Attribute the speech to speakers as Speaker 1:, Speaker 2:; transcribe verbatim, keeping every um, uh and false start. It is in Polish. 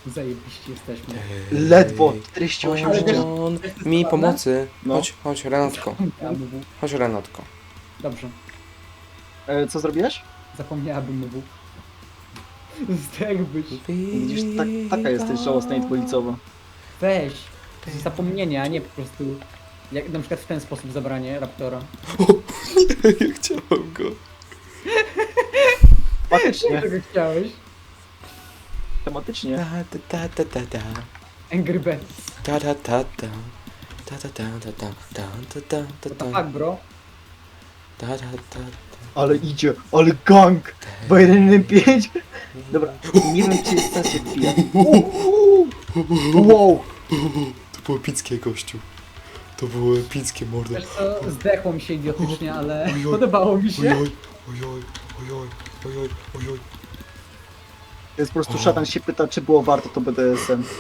Speaker 1: Zajebiście jesteśmy.
Speaker 2: Ledwo, czterdzieści osiem życia.
Speaker 3: On mi pomocy.
Speaker 2: No.
Speaker 3: Chodź, chodź, Renatko.
Speaker 1: Zapomniałabym.
Speaker 3: Chodź, Renatko.
Speaker 1: Dobrze,
Speaker 2: E, co zrobiłeś?
Speaker 1: zapomniałabym mu. Zdechłbyś.
Speaker 2: Widzisz, tak, taka jesteś żałosna i dwulicowa.
Speaker 1: Weź. To jest zapomnienie, a nie po prostu... Jak na przykład w ten sposób zabranie Raptora.
Speaker 3: Ja chciałem go.
Speaker 2: Tematycznie,
Speaker 1: Czego chciałeś?
Speaker 2: tematycznie.
Speaker 3: Ta ta ta ta ta.
Speaker 1: Angry Birds.
Speaker 3: Ta ta ta ta. Ta ta ta ta ta ta ta ta ta
Speaker 1: What
Speaker 3: ta
Speaker 1: the fuck, bro?
Speaker 3: ta ta ta.
Speaker 2: Ale idzie, ale gang! dwa jeden jeden pięć. Dobra, nie wiem czy jest sens się wbija. Wow!
Speaker 3: To było epickie, gościu. To było epickie, mordo.
Speaker 1: Wiesz co, zdechło mi się idiotycznie, ale
Speaker 3: Ojoj.
Speaker 1: podobało mi się.
Speaker 3: Ojoj, ojoj, ojoj, ojoj, ojoj.
Speaker 2: To jest po prostu szatan się pyta, czy było warto to B D S M.